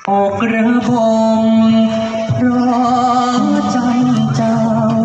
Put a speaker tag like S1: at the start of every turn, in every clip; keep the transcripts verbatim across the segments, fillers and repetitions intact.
S1: ออกระบมเพราะจันเจ้า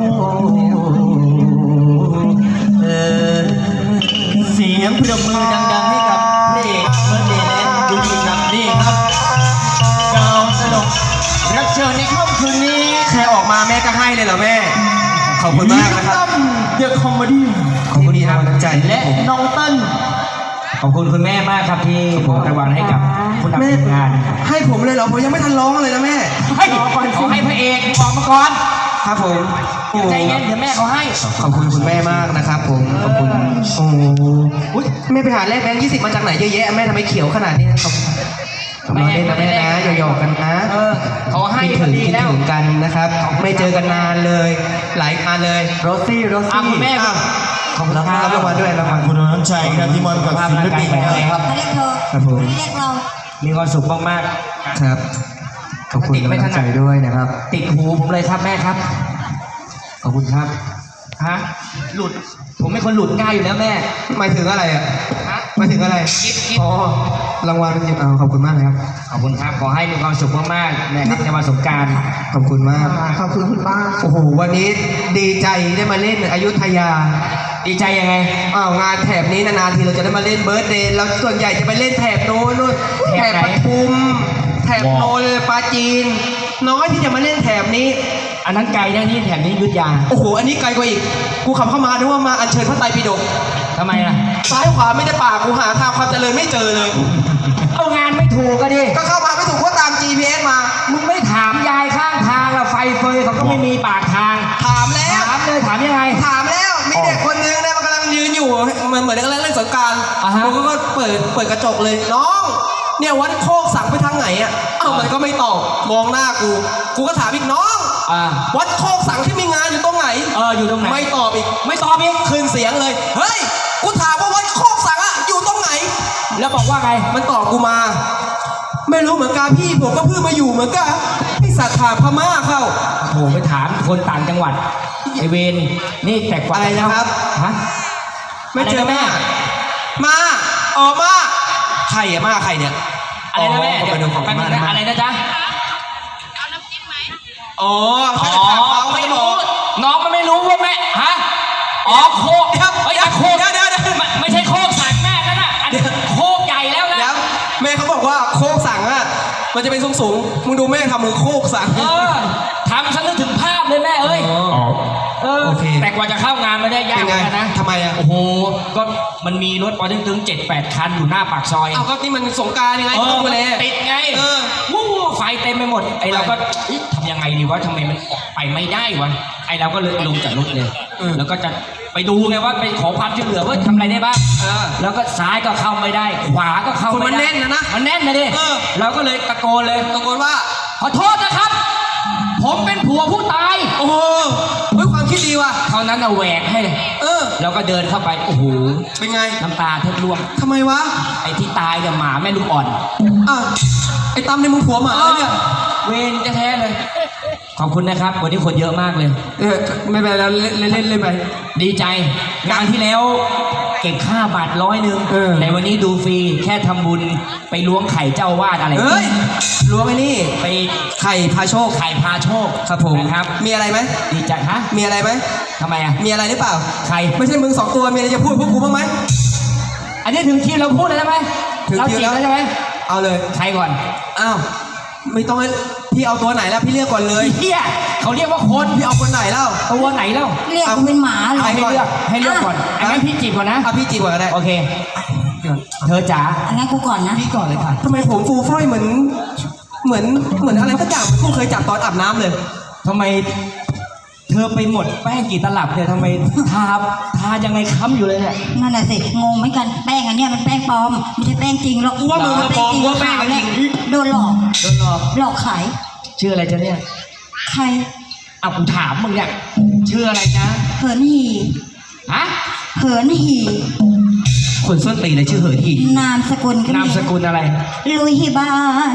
S1: เออเสียงปรบมือดังๆให้กับพระเอกเมื่อเดย์และดูดีครับนี่ครับดาวตลกรับเชิญในค่ำคืนนี้ใครออกมาแม่ก็ให้เลยเหรอแม่ขอบคุณมากนะครับเดอะคอมเมดี้ขอบคุณที่ให้กำลังใจและน้องเติ้ลขอบคุณคุณแม่มากครับที่มอบรางวัลให้กับผู้นำทีมงาน
S2: ให้ผมเลยเหรอผมยังไม่ทันร้องเลยนะแม่
S1: ให้ขอให้พระเอกออกมาก่อน
S2: ครับผม
S1: ใจเย็นเดี๋ยวแม่เขาให้
S2: ขอบคุณคุณแม่มากนะครับผมขอบคุณโอ้ยแม่ไปหาแลกแบงค์ยี่สิบมาจากไหนเยอะแยะแม่ทำไมเขียวขนาดนี้ขอบคุณมาเล่นนะแม่นะหยอกๆกันนะ
S1: เขาให้
S2: คิดถึงคิดถึงกันนะครับไม่เจอกันนานเลยหลายงานเลยโรซี่โรซี่
S1: คุณแม่
S2: ขอบคุณครับรับรางวัลด้วยรางวัล
S3: คุณน้ำใจครับที่มอบกับศิลปิน
S4: ครับเขาเรียกเธอ
S2: ครับผม
S4: เรียกเรา
S1: มีความสุขมาก
S2: ๆครับขอบคุณกำลังใจด้วยนะครับ
S1: ติดหูผมเลยครับแม่ครับ
S2: ขอบคุณครับ
S1: ฮะหลุดผมไม่คนหลุดง่ายอยู่แล้วแม่
S2: หมายถึงอะไรอ่ะหมายถึงอะไรอ๋อรางวัลเป็นยังขอบคุณมากนะครับ
S1: ขอบคุณครับขอให้มีความสุขมากๆนะครับในวันสงกรานต์
S2: ขอบคุณมากขอบคุณคุณป้าโอ้โหวันนี้ดีใจได้มาเล่นอยุธยา
S1: ดีใจยังไง
S2: อ้าวงานแถบนี้นานๆทีเราจะได้มาเล่นเบิร์ธเดย์เราส่วนใหญ่จะไปเล่นแถบโน้นนู่นแถบปทุมแถบโนนปาจีนน้อยที่จะมาเล่นแถบนี้
S1: อันนั้นไกลนะนี่แถบนี้ยุทธยา
S2: โอ้โหอันนี้ไกลกว่าอีกกูขับเข้ามานึกว่ามาอัญเชิญพระไตรปิฎก
S1: ทำไมล่ะ
S2: ซ้ายขวาไม่ได้ป่ากูหาทางความเจริญไม่เจอเลย
S1: เอางานไม่ถูกก็ดิ
S2: ก็เข้ามาไม่ถูกเพราะตาม จี พี เอส มา
S1: มึงไม่ถามยายข้างทางอะไฟเฟยเขาก็ไม่มีปากทาง
S2: ถามแล้ว
S1: ถามเลยถามยังไง
S2: ถามแล้วมีเด็กคนนึงเนี่ยมันกำลังยืนอยู่เหมือนเหมือนกำลังเล่นสงกรานต์กูก็เปิดเปิดกระจกเลยน้องเนี่ยวัดโคกสั่งไปทางไหนอ่ะเอ้ามันก็ไม่ตอบมองหน้ากูกูก็ถามอีกน้องวัดโคกสั่งที่มีงานอยู่ตรงไหน
S1: เอออยู่ตรงไหน
S2: ไม่ตอบอีก
S1: ไม่ตอบอีก
S2: คืนเสียงเลยเฮ้ยกูถามว่าวัดโคกสั่งอ่ะอยู่ตรงไหน
S1: แล้วบอกว่าไง
S2: มันตอบกูมาไม่รู้เหมือนกันพี่ผมก็เพิ่งมาอยู่เหมือนกันไอสัตว์ถามพม่าเข้า
S1: โหไปถามคนต่างจังหวัดไอเวนนี่แต่กว่า
S2: อะไรนะครับ
S1: ฮะ
S2: ไม่เจอแม่มาออกมาใครอะมาใครเนี่ย
S1: อะไรนะแม่ไปดูของแม่อะไรนะจ๊ะ
S4: เอาน้ำจิ้มไหม
S2: อ๋ออ๋
S1: อไม่รู้น้องมันไม่รู้ว่าแม่ฮะอ๋อโคกเฮ้ยโคก
S2: เดี๋ยวเดี๋ยว
S1: ไม่ใช่โคกสั่งแม่นั่นน่ะอันนี้โคกใหญ่แล้วนะ
S2: แม่เขาบอกว่าโคกสั่งอะมันจะเป็นสูงสูงมึงดูแม่ทำมือโคกสั่ง
S1: เออทำฉันนึกถึงภาพเลยแม่เอ้ยเออแต่กว่าจะเข้างานไม่ได้ยากเหมือนกันนะ
S2: ทำไมอะ
S1: โอ้โหก็มันมีรถปอตึ้งตึงเจ็ดแปดคันอยู่หน้าปากซอย
S2: เอาก็นี่มันสงการยังไง
S1: ต้องดูแลติดไงวู้ไฟเต็มไปหมดไอเราก็ทำยังไงดีวะทำไมมันออกไปไม่ได้วะไอเราก็เลยลงจากรถเลยแล้วก็จะไปดูไงว่าไปขอความช่วยเหลือว่าทำอะไรได้บ้างแล้วก็ซ้ายก็เข้าไม่ได้ขวาก็เข้าไม่ได้
S2: มันแน่นนะนะ
S1: มันแน่นนะดิเราก็เลยตะโกนเลย
S2: ตะโกนว่า
S1: ขอโทษนะครับผมเป็นผัวผู้ตาย
S2: โอ้โหเฮ้ยความคิดดีว่ะ
S1: เท่านั้นเอาแหวกให้เลย
S2: เออ
S1: เราก็เดินเข้าไปโอ้โห
S2: เป็นไง
S1: น้ำตาแทบร่วง
S2: ทำไมวะ
S1: ไอ้ที่ตายเนี่ยหมาแม่ลูกอ่อน
S2: อ่ะไอ้ตั้มในมึงผัวหมาเนี่ย
S1: เวรแท้ๆเลยขอบคุณนะครับวันนี้คนเยอะมากเลย
S2: เออไม่เป็นไรแล้วเล่นเล่นเล่นไป
S1: ดีใจงานที่แล้วเก็บค่าบัตรร้อยหนึ่งแต่วันนี้ดูฟรีแค่ทำบุญไปล้วงไข่เจ้าวาดอะไร
S2: เฮ้ยล้วงไอ้นี่
S1: ไป
S2: ไข่พาโชค
S1: ไข่พาโชค
S2: ครับผม
S1: ครับ
S2: มีอะไรไหม
S1: ดีใจฮะ
S2: มีอะไรไหม
S1: ทำไมอ่ะ
S2: มีอะไรหรือเปล่า
S1: ใคร
S2: ไม่ใช่มึงสองตัวมีอะไรจะพูดพวกกูบ้างไหม
S1: อันนี้ถึงคิวเราพูดเลยใช่ไหม
S2: ถึงคิวแล้ว
S1: ใช่ไหม
S2: เอาเลย
S1: ใครก่อน
S2: อ้าวไม่ต้องให้พี่เอาตัวไหนแล้วพี่เรียกก่อนเลย
S1: เฮียเขาเรียกว่าคน
S2: พี่เอาคนไหนแล้ว
S1: ตัวไหนแล้ว
S4: เรียกกูเป็นหมาเลย
S1: ให้เลือกให้เลือกก่อนอันนั้นพี่จีบก่อนนะ
S2: อ่ะพี่จีบก่อนก็ได้
S1: โอเคเธอจ๋า
S4: อันนั้นกูก่อนนะ
S2: พี่ก่อนเลยค่ะทำไมผมฟูฟ่อยเหมือนเหมือนเหมือนอะไรสักอย่างเหมือนกูเคยจับตอนอาบน้ำเลย
S1: ทำไมเธอไปหมดแป้งกี่ตลับเนี่ยทำไมทาทายังไงค้ำอยู่เลยเนี่ย
S4: นั่นแหละสิงงเหมือนกันแป้งอันเนี้ยมันแป้งปลอมไม่ใช่แป้งจริงหรอก
S2: กูว่ามึงมาปลอมกูว่าแป้งจริง
S4: โดนหลอก
S1: โดนหลอก
S4: หลอกขาย
S1: ชื่ออะไรจ๊ะเนี่ย
S4: ใคร
S1: เอากูถามมึงเนี่ยชื่ออะไรจ๊ะ
S4: เหินหี
S1: ฮะ
S4: เหินหี
S2: คนส้นตีเลยชื่อเหินหี
S4: นามสกุล
S1: นามสกุลอะไร
S4: ลุยฮิบาน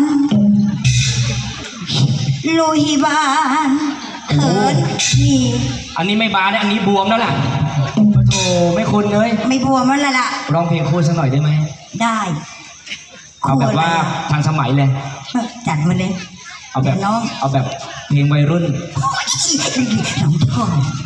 S4: ลุยฮิบานเหินหี
S1: อันนี้ไม่บานนะอันนี้บวมแล้วล่ะโธ่ไม่คุ้นเลย
S4: ไม่บวมแล้วล่ะ
S1: ร้องเพลงคู่สักหน่อยได้ไหม
S4: ได้
S5: เอาแบบว่าทันสมัยเลย
S4: จัดมาเลย
S5: เอาแบบ
S4: น้อง
S5: เอาแบบเพลงวัยรุ่น
S4: น้องชอบ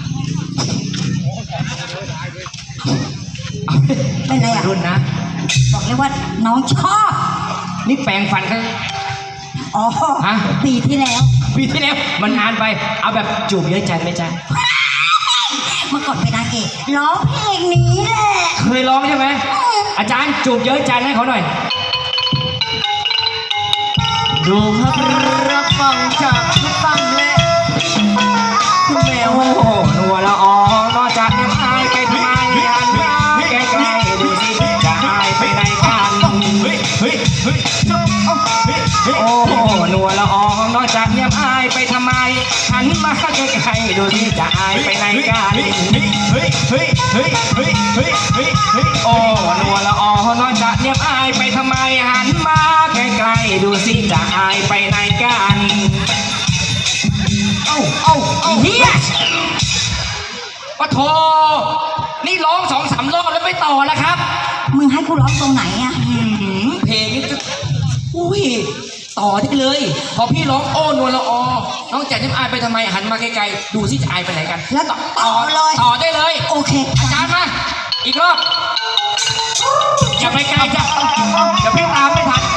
S4: เป็นไร
S5: วัย
S4: อ่ะ
S5: รุ่นนะ
S4: บอกเลยว่าน้องชอบ
S5: นี่แปลงฟันกัน
S4: อ๋อ
S5: ฮะ
S4: ปีที่แล้ว
S5: ปีที่แล้วมันนานไป เอาแบบจูบเยอะใจไหมจ๊ะ
S4: เมื่อก่อนเป็นนางเอกร้องเพลงนี้แหละ
S5: เคยร้องใช่ไหมอาจารย์จูบเยอะใจให้เขาหน่อย
S1: ดูครับรับฟังจากคุณตั้มและคุณแมว
S5: โอ้โหนัวละอองนอกจากยังอายไปทำไมหันมาใกล้ๆดูสิจะอายไปไหนกัน
S1: เฮ้ยเฮ้ยเฮ้ยจบเอ้าเฮ้ยเฮ้ย
S5: โอ้โหนัวละอองนอกจากยังอายไปทำไมหันมาใกล้ๆดูสิจะอายไปไหนกัน
S1: เฮ้ยเฮ้ยเฮ้ยเฮ้ยเฮ้ยเฮ้ยเฮ้ย
S5: โอ้นัวละอองนอกจากยังอายไปทำไมหันมาใกล้ๆดูสิจะอายไปไหนกัน
S1: เอ้าเอ้าเอ้า
S5: เฮียปะโทนี่ร้องสองสามรอบแล้วไม่ต่อแล้วครับ
S4: มึงให้กูร้องตรงไหนอ่ะ
S5: หืมเพลงนี้จะอุ้ยต่อได้เลย พอพี่ร้องโอ้นวลละออน้องแจ๋นิ่มอายไปทำไมหันมาไกลๆดูสิจะอายไปไหนกัน
S4: แล้วต่อเลย
S5: ต่อได้เลย
S4: โอเค
S5: อาจารย์มาอีกรอบอย่าไปไกลจ้ะอย่าพี่ตามไม่ทัน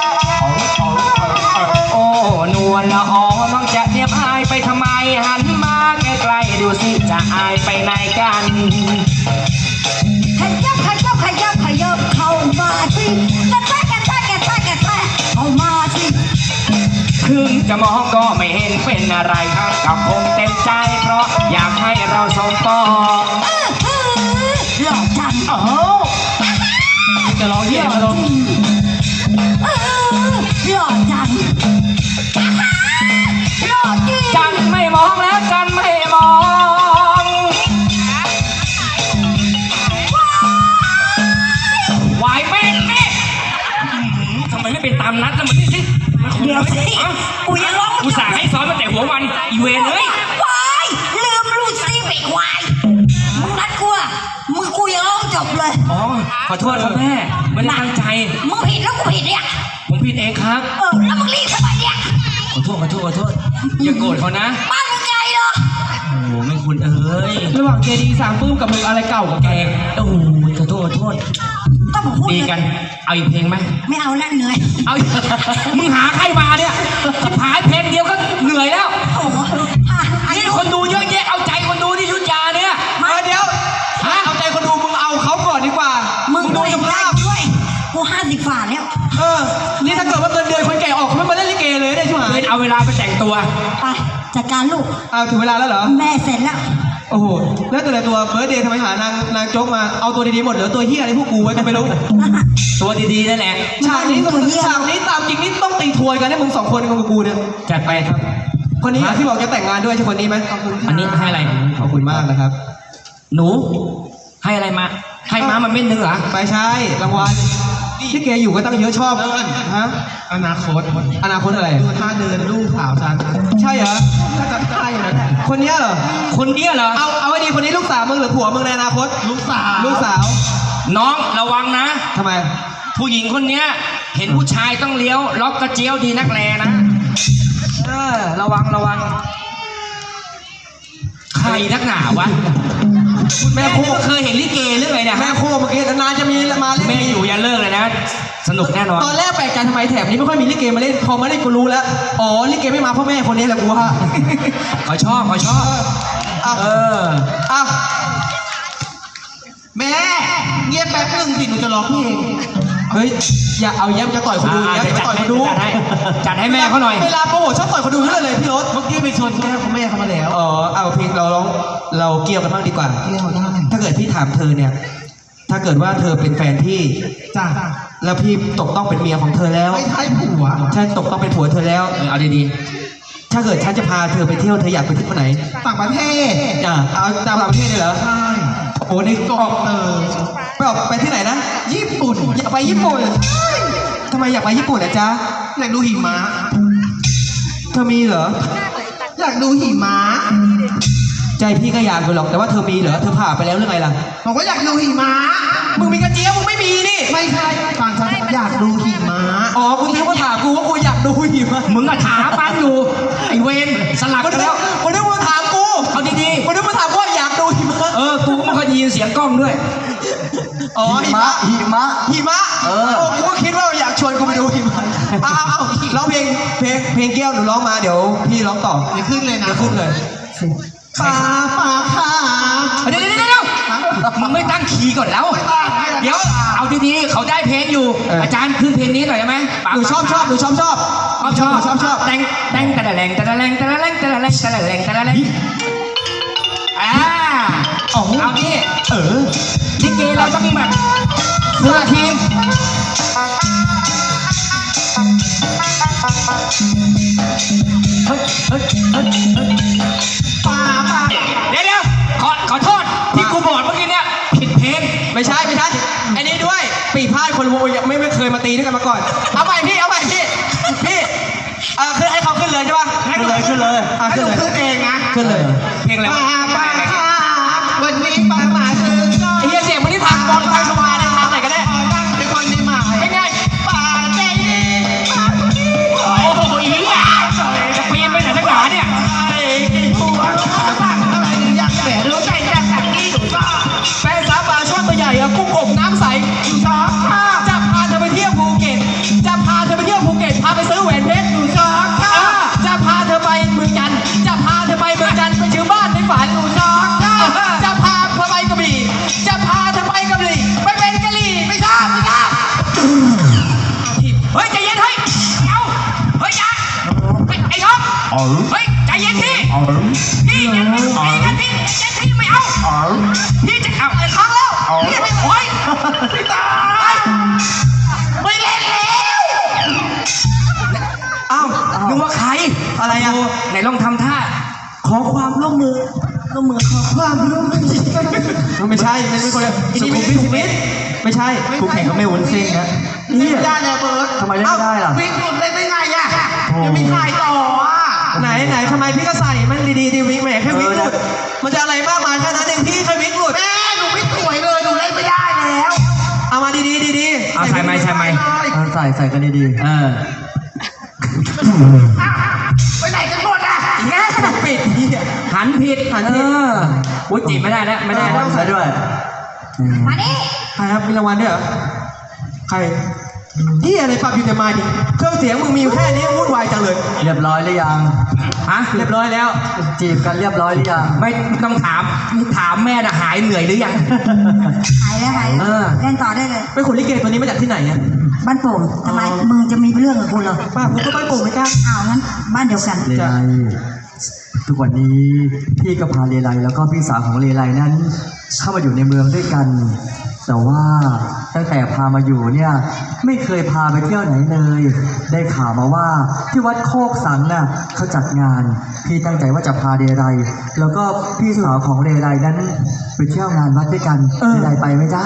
S5: โอ้นวลละออน้องแจ๋นิ่มอายไปทำไมหันมาไกลๆดูสิจะอายไปไหนกัน
S4: ขยับขยับขยับขยับเข้ามาสิกระแทกกระแทกกระแทกกระแทกเข้ามาสิ
S5: ถึงจะมองก็ไม่เห็นเป็นอะไรกับคงเต็มใจเพราะอยากให้เราสมปอง
S4: หล่อจัง
S5: โอ้จะร้องเยี่ยมมาลง
S4: เออหล่อจังหล่อจริง
S5: จันไม่มองแล้วจันไม่มอง ไหวไหมนี่ทำไมไม่เป็นตามนัดแล้วมันนี่สิ
S4: เดี๋ยวสิกูยังร้อง
S5: กูสั่งให้ซ้อนมาแต่หัววันอีเวนเลย
S4: วายลืมรูดซิไปควายมึงนัดกูอะมึงกูยังร้องจบเลย
S5: อ๋อขอโทษครับแม่ไม่ได้ตั้งใจ
S4: มึงผิดแล้วกูผิดเนี่ย
S5: ผมผิดเองครับ
S4: เออแล้วมึงรีบทำไมเนี่ย
S5: ขอโทษขอโทษขอโทษอย่าโกรธเขานะ
S4: บ้านมึงไงเหรอ
S5: โอ้โหแม่คุณเอ้ย
S2: ระหว่างเจดีสามปื้มกับมึงอะไรเก่ากับ
S5: แก
S2: แก
S5: โอ้โหขอโทษขอโทษ
S4: ก็ผมพูด
S5: ดี
S4: เลย
S5: กัน เอาอีกเพลงไหม
S4: ไม่เอาแล้วเหนื่อย
S5: เอาอีก มึงหาใครมาเนี่ยจะหายเพลงเดียวก็เหนื่อยแล้ว
S4: โอ้โหอ่ะอัน
S5: นี่
S4: นี้
S5: คนดูเยอะแยะ เอาใจคนดูที่ยุทธยาเนี่ย
S2: มาเดี๋ยว
S5: ฮะ
S2: เอาใจคนดูมึงเอาเขาก่อนดีกว่า
S4: มึ
S2: มึ
S4: ง
S2: ง
S4: ดู
S2: ดู
S4: ส
S2: ส
S4: ภา
S2: ภา
S4: พ
S2: พ
S4: ด้วยกูห้าสิบฝ่าแล้ว
S2: เออ นี่ถ้าเกิดว่าเงินเดือนคนแก่ออกเขาไม่มาเล่นลิเกเลยได้ใช่ไหม
S5: เดินเอาเวลาไปแต่งตัว
S4: ไปจัดการลูก
S2: เอาถึงเวลาแล้วเหรอ
S4: แม่เสร็จแล้ว
S2: โอ้โห แล้วแต่ละตัวเบิร์ดเดย์ทำไมหานางนางโจ๊กมา เอาตัวดีๆหมดเหลือตัวเฮียอะไรพวกกูไว้ก็ไม่รู้
S5: ตัวดีๆนั่นแหละ
S2: ฉากนี้
S4: ตัวเหี้ย
S2: ฉากนี้ตามจริงนี่ต้องตีทวยกันให้มึงสองคนกับกูเนี่ย
S5: จัดไปครับ
S2: คนนี้อ่ะที่บอกจะแต่งงานด้วยใช่คนนี้ไหมขอบคุณ
S5: อันนี้ให้อะไร
S2: ขอบคุณมากนะครับ
S5: หนู ให้อะไรมา ให้ม้ามันเม็ดนึงเหรอ
S2: ไปใช่รางวัลที่แกอยู่ก็ตั้งเยอะชอบฮะ
S3: อนาคต
S2: อนาคตอะไร
S3: ดูท่าเดินลูกสาวฉัน
S2: ใช่เหรอ
S3: ถ้าจะใช่นะ
S2: คนเนี้ยเหรอ
S5: คนเนี้ยเหรอ
S2: เอาเอาไว้ดีคนนี้ลูกสาวมึงหรือผัวมึงในอนาคต
S3: ลูกสาว
S2: ลูกสาว
S5: น้องระวังนะ
S2: ทำไม
S5: ผู้หญิงคนเนี้ย เห็นผู้ชายต้องเลี้ยว ล็อกกระเจียวดีนักแลนะ เออ ระวังระวัง ใครนักหนาวะ
S2: แม่
S5: แม่
S2: โค
S5: คู่เคยเห็นลิเกหรือไงเนี่ย
S2: แม่โคเมื่อกี้นานๆจะมีมาเล่น
S5: แม่อยู่อย่าเลิกเลยนะ สนุกแน่นอน
S2: ตอนแรกแปลกใจทำไมแถบนี้ไม่ค่อยมีลิเกมาเล่นพอมาเล่นกูรู้แล้วอ๋อลิเกไม่มาเพราะแม่คนนี้แหละกูว่า
S5: เขาชอบเขาชอบ
S2: อ่ะ
S5: เออ
S2: อ่ะ
S3: แม่เงียบแป๊บหนึ่งสิหนูจะร้องเพลง
S2: เฮ้ยอย่าเอาแย้มจะต่อยคนดู
S5: อ่า
S2: แย้ม
S5: เดี๋ยว
S2: จะ
S5: จัด
S2: ต่อย
S5: ให้
S2: คนดู
S5: จัดให้จัดให้แม่เขาหน่อย
S2: เวลาโปรโมทชอบต่อยคนดูเรื่อยเลยพี่รถ
S3: เมื่อกี้ไปชวนแม่ของแม่เขามาแล้ว
S2: อ๋อเอาเพลงเราร้องเราเกี่ยวกันบ้างดีกว่า
S3: เที่ยวได้
S2: ถ้าเกิดพี่ถามเธอเนี่ย ถ้าเกิดว่าเธอเป็นแฟนพี่
S3: จ้า
S2: แล้วพี่ตกต้องเป็นเมียของเธอแล้ว
S3: ไม่ใช่ผัว
S2: ฉันตกต้องเป็นผัวเธอแล้ว
S5: เออเอาดี
S2: ถ้าเกิดฉันจะพาเธอไปเที่ยวเธออยากไปที่ไหน
S3: ต่างประเทศ
S2: อ่ะเอาตามต่างประเทศเลยเหรอ
S3: ใช่
S2: โอ้นี่ก็ออก
S3: เออ
S2: ไปออกไปที่ไหนนะ
S3: ญี่ปุ่น
S2: อยากไปญี่ปุ่นทำไมอยากไปญี่ปุ่นอ่ะจ๊ะ
S3: อยากดูหิมะ
S2: เธอมีเหรอ
S3: อยากดูหิมะ
S2: ใจพี่ก็อยากอยู่หรอกแต่ว่าเธอมีเหรอเธอผ่าไปแล้วหรือไงล่ะ
S3: บอกว่าอยากดูหิมะ
S2: มึงมีกระเจี๊ยบมึงไม่มีนี่
S3: ไม่ใช่ฟังฉันอยากดูหิมะ
S2: อ๋อกูคิดว่าถามกูว่ากูอยากดูหิมะ
S5: มึงอะถามมันอยู่ไอเวนสลับ
S2: กู
S5: กัน
S2: นึ
S5: แล้
S2: ก
S5: ว
S2: กูนึกว่าถามกู
S5: เอาดี
S2: กูนึกว่าถามว่าอยากดูหิมะ
S5: ๆเออกูก็ไม่ค่อยได้ยินเสียงกล้องด้วย
S2: อ๋อหิมะ
S3: หิมะ
S2: หิมะเออกูก็คิดว่าอยากชวนกูไปดูหิมะเอาเอาเอาร้องเพลงเพลงเพลงแก้วหนูร้องมาเดี๋ยวพี่ร้องต่อ
S3: เดี๋ยวขึ้นเลยนะ
S2: เดี๋ยวขึ้นเลย
S3: ป่าป่าขา
S5: เดี๋ยวเดี๋ยวเดี๋ยวเดี๋ยวมึงไม่ตั้งคีย์ก่อนแล้ว เดี๋ยวเอาดีๆเขาได้เพลงอยู่ อาจารย์ขึ้นเพลงนี้หน่อยได้ไหม
S2: หนูชอบชอบหนูชอบชอบ
S5: ชอบชอบ
S2: ชอบชอบ
S5: แต่งแต่งแต่ละแรงแต่ละแรงแต่ละแรงแต่ละแรงแต่ละแรงแต่ละแรงอ่าเอาดิ
S2: เออ
S5: ลิเกเราต้องแบบเพื่อทีมเฮ้ยเฮ้ยเฮ้ยเฮ้ย
S3: ป่าป่า
S5: เดี๋ยวเดี๋ยวขอขอโทษที่กูบอกเมื่อกี้เนี่ยผิดเพลง
S2: ไม่ใช่ไม่ใช่อันนี้ด้วยปีพาดคนวงยังไม่ไม่เคยมาตีด้วยกันมาก่อน เอาใหม่พี่เอาใหม่พี่พี่เออขึ้นให้เขาขึ้นเลยใช่ป่ะ
S3: ขึ้นเลยขึ้นเลย
S2: อ่ะ
S3: ให้
S2: ขึ้
S3: ห
S2: น
S3: นู
S2: เลย
S3: ขึ้นเองนะ
S2: ขึ้นเลย
S5: เพลงอะไร
S3: ป่าว
S5: ะ
S3: ป่าขาวันนี้ป่ามาถึงก็
S2: ไอ้เหี้ยเสียงมันที่ทางบอลทางชวาเนี่ยทางไหนก็ได้
S3: ขอนั่งเป็นคนที่หมาย
S2: ไม่ง่าย
S3: ป่าใจดีป่าคนนี้
S5: โอ้โหอีหล่าจะเปลี่ยนไปไหนทั้งหนาเนี่ย
S3: ไอ้กี่หัวตั้งอะไรหรือยังแหมรู้ใจจะสักกี่หนูก็
S2: แฟนสาวปลาช่อนตัวใหญ่อะกุ้งอบน้ำใส
S3: ชอบข้า
S2: จะพาเธอไปเที่ยวภูเก็ตจะพาเธอไปเที่ยวภูเก็ตพาไปซื้อแหวนเพชร
S3: ชอบข้า
S2: อ่าจะพาเธอไปเมืองจันทร์จะพาเธอไปเมืองจันทร์ไปชื่อบ้านในฝัน
S3: ชอบข้า
S2: จะพาเธอไปกระบี่จะพาเธอไปกระบี่ไปเป็นกะหรี่
S3: ไม่ชอบไม่ชอบ
S5: เฮ้ยใจเย็นเฮ้ยเอาเฮ้ยอย่าเฮ้ยไอ้ท็อปเฮ้ยใจเย็นพี่พี่อย่าพี่กันพี่ใจเย็นพี่ไม่เอาพี่จะเอาไอ้ครั้งแล้วพี่ไม่โอ้ยไม่ตายไม่เล่นแล้ว
S2: อ้าว
S5: นึกว่าใคร
S2: อะไรอะ
S5: โไหนลองทำท่า
S2: ขอความร่วมมือร่วมมือขอความร่วมมือไม่ใช่ไม่ใช่คนเดียวอันนี้ไม่ใช่ชีวิตไม่ใช่
S1: คู่แข่งก็ไม่วุ้นเส้นนะ
S3: เล่นไม่ได้เลยเบิร์ด
S1: ทำไมเล่นไม่ได้ล่ะ
S3: วิ่งหลุดได้ได้ไงอ่ะยังมีถ่ายต่ออ่ะ
S2: ไหนไหนทำไมพี่ก็ใส่มันดีๆดีวิกแหมแค่วิกหลุดมันจะอะไรมากมายแค่นั้นเองพี่แค่วิกหลุด
S3: แม่หนูไม่สวยเลยหนูเล่นไม่ได้แล้ว
S2: เอามาดีๆดีๆ
S5: เอาใส่ไหมใส่ไหม
S1: เอาใส่ใส่กันดีๆ
S5: เออ
S3: ไปไหนกันหมดอ่ะ
S2: แง่ปิดพี่
S5: หันผิด
S2: หันผิด
S5: เอออุ้ยจีบไม่ได้แล้วไม่ได้แล้ว
S1: ใส่ด้วย
S4: มานี่
S2: ใครครับมีรางวัลด้วยเหรอใครที่อะไรปรับอยู่ในไม้ดิเครื่องเสียงมึงมีอยู่แค่นี้วุ่นวายจังเลย
S1: เรียบร้อยหรือยัง
S5: ฮะ
S2: เรียบร้อยแล้ว
S1: จีบกันเรียบร้อยหรือยัง
S5: ไม่ต้องถามถามแม่น่ะหายเหนื่อยหรือยัง
S4: หายแล้วหาย
S5: เออ
S4: เล่นต่อได้เลย
S2: ไปขนลิเกตัวนี้มาจากที่ไหนเนี่ย
S4: บ้านโป่งทำไมมึงจะมีเรื่องกับกูเหรอ
S2: ป้าผมก็ไปโป่งไม่กล้า
S4: อ้าวงั้นบ้านเดียวกัน
S1: เลไลทุกวันนี้พี่ก็พาเลไลแล้วก็พี่สาวของเลไลนั้น เข้ามาอยู่ในเมืองด้วยกัน แต่ว่าตั้งแต่พามาอยู่เนี่ยไม่เคยพาไปเที่ยวไหนเลย ได้ข่าวมาว่าที่วัดโคกสังน่ะเขาจัดงาน พี่ตั้งใจว่าจะพาเลไลแล้วก็พี่สาวของเลไลนั้นไปเที่ยวงานวัดด้วยกันเลไลไปไหมจ๊ะ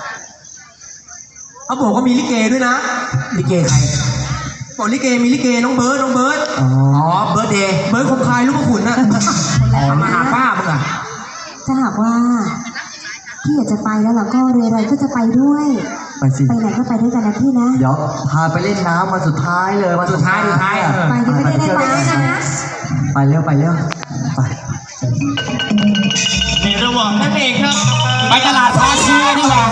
S2: เขาบอกว่ามีลิเกด้วยนะ
S5: ลิเกใคร
S2: บอกลิเกมีลิเกน้องเบิร์ดน้องเบิร์ด
S1: อ๋อ
S5: อ๋อเบิร์ดเดย์
S2: เบิร์ดคงคายลูกพระขุนน่ะ
S5: อ๋อมาหาป้ามึงอ่ะ
S6: ถ้าหากว่าพี่อยากจะไปแล้วเราก็เรไรก็จะไปด้วย
S1: ไปสิ
S6: ไปไหนก็ไปด้วยกันนะพี่นะ
S1: เดี๋ยวพาไปเล่นน้ำวันสุดท้ายเลยวัน
S5: สุดท้ายสุดท้าย
S1: อะ
S5: เออ
S6: ไปที่ไม่ได้ไปนะ
S1: ไปเร็วไปเร็วไปในระหว่างนั้นเองครับ
S5: ไปตลาดพาเชียดีกว่า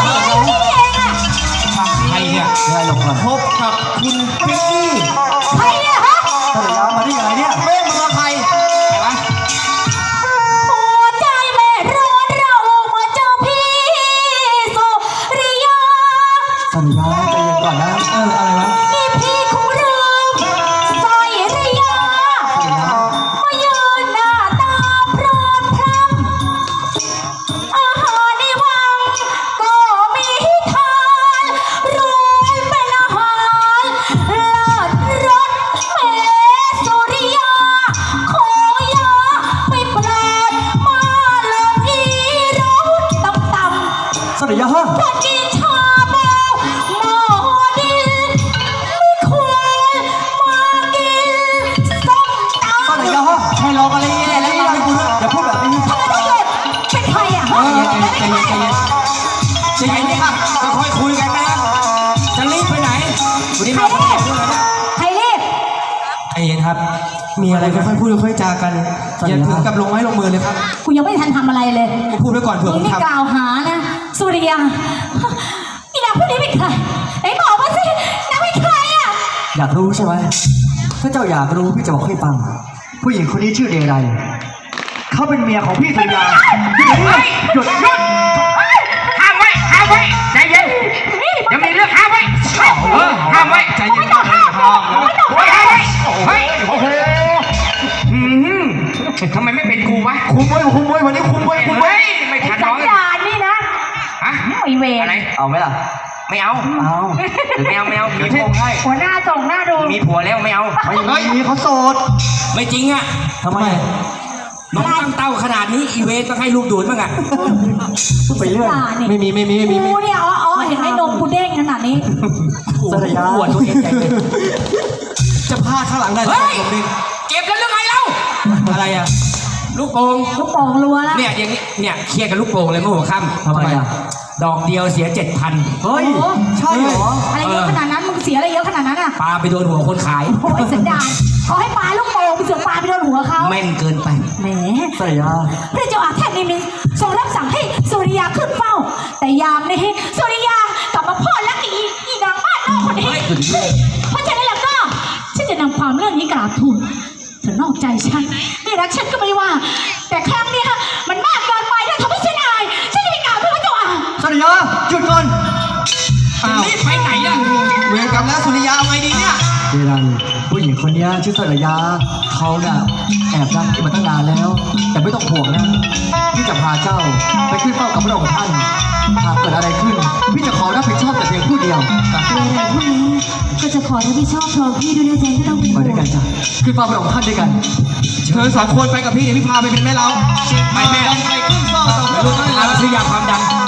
S5: ใครเนี่ย
S1: ได้หลบก่อน
S2: พบกับคุณพิกกี้
S4: ใครเนี่ยฮะ
S1: ถ้าเดี๋ยวมาได้ยังไงเนี่ย
S2: แม่มึงกับใคร
S5: ใครวะ
S4: หัวใจแม่ร้อนเรามาเจอพี่สุริยา
S1: สัญญาใจเย็นก่อนนะ
S2: เอออะไรวะ
S4: นี่พี่คงลืมสอยริยา
S1: สัญญา
S4: มายืนหน้าตาพร้อมพร้ำอาหารในวังก็มีทานรวยเป็นอาหารเลิศ
S2: ใจเย็นครับ มีอะไรค่อยๆพูดค่อยๆจากันอย่าถึงกับลงไม้ลงมือเลยครับ
S4: กูยังไม่ทันทำอะไรเลย
S2: ผมพูดไว้ก่อนเผื่อ
S4: มึ
S2: ผ
S4: ง
S2: ม
S4: นี่
S2: ทำ
S4: กล่าวหานะสุริยาอีนางผู้นี้เป็นใครไหนบอกมาสินางเป็นใครอ่ะ
S7: อยากรู้ใช่ไหมถ้าเจ้าอยากรู้พี่จะบอกให้ฟัง ผู้หญิงคนนี้ชื่อเดรัยเขาเป็นเมียของพี่สุริยา
S5: เฮ้ยหยุดหยุดห้ามไว้ห้ามไว้ใจเย็นเดี๋ยวมีเรื่องห้ามไว้เออห้ามไว้ใจเย็นก่อนห้ามแล้วเฮ้ยเฮ้ยเฮ้ยโอ้โหอืมทำไมไม่เป็นกูวะ
S7: คุมไว้คุมไว้วันนี้คุมไว้คุมไว้
S5: เฮ้ยไม่ทันน้อง
S4: ด่านนี่นะ
S5: ฮะ
S4: ไอเวร
S5: อะไร
S7: เอาไหมล่ะ
S5: ไม่เอา
S7: เอา
S5: หรือไม่เอาไม่เอามีผัว
S4: หัวหน้าส่งหน้าดู
S5: มีผัวแล้วไม่เอา
S7: ไม่มีเขาโสด
S5: ไม่จริงอ่ะ
S7: ทำไม
S5: น้องตั้งเต้าขนาดนี้อีเวนต้องให้ลูกดูดบ้างอ่ะ
S7: พูดไปเรื่อย
S4: ด่านนี่
S2: ไม่มีไม่มีไม่มีไม่
S4: กู
S2: มี
S4: เนี่ยอ๋ออ๋อเห็นไหมนมกูเด้งขนาดนี้
S7: สุริยา
S5: ปวดตัวเองใหญ่เลย
S2: จะพลาดข้างหลังได้
S5: เฮ้ย
S2: ผมดิ
S5: เก็บแล้วหรือไงเล่า
S2: อะไรอ่ะ
S5: ลูกโป่ง
S4: ลูกโป่งรัวแล้ว
S5: เนี่ยอย่างนี้เนี่ยเคลียร์กับลูกโป่งเลยเมื่อหัวค่ำ
S7: ทำไมอ่ะ
S5: ดอกเดียวเสียเจ็ดพัน
S7: เฮ้ย
S4: โอ้
S7: ใช่เหรอ
S4: อะไรเยอะขนาดนั้นมึงเสียอะไรเยอะขนาดนั้นอ่ะ
S5: ปลาไปโดนหัวคนขาย
S4: โอ้ยสันดานขอให้ปลาลูกโป่งไปเสือกปลาไปโดนหัวเขา
S5: แม่นเกินไป
S4: แหม
S7: สุริยา
S4: พระเจ้าอาแทนนิมิตทรงรับสั่งให้สุริยาขึ้นเฝ้า แต่ยามนี้สุริยากลับมาพ่อและอีอีนางบ้านนอกคนนี้เพราะฉะนั้นแล้วก็ฉันจะนำความเรื่องนี้กราบทูลเธอนอกใจฉันไม่รักฉันก็ไม่ว่า แต่ครั้งเนี้ยมันมากเกินไปถ้าทำให้ฉันอายฉันจะไปกล่าวทูลพระเจ้าอา
S7: สุริยาหยุดก่อน
S2: อ้าว
S5: รีบไปไหนล่ะ
S2: เวรกรรมแล้วสุริยาเอาไงดีเนี่ย
S7: เดรัยผู้หญิงคนนี้ชื่อสุริยาเขาน่ะแอบรักพี่มาตั้งนานแล้ว แต่ไม่ต้องห่วงนะพี่จะพาเจ้าไปขึ้นเฝ้ากับพระองค์ท่านหากเกิดอะไรขึ้น พี่จะขอรับผิดชอบแต่เพียงผู้เดียว
S6: เวลาพวกนี้ก็จะขอรับผิดชอบพร้อมพี่ด้วยนะจ๊ะไม่ต้องเป็น
S7: ไป
S6: ห่
S7: ด้วย
S6: ว
S7: กั
S6: ง
S7: นจ้ะขึ้นเฝ้าพระองค์ท่านด้วยกัน
S2: เชิญสองคนไปกับพี่เดี๋ยวพี่พาไปเป็นแม่เรา
S5: ไปแม่
S2: ไปขึ้นเฝ้าต่อพระองค์ท่าน
S5: เอาซื้อยาความดัน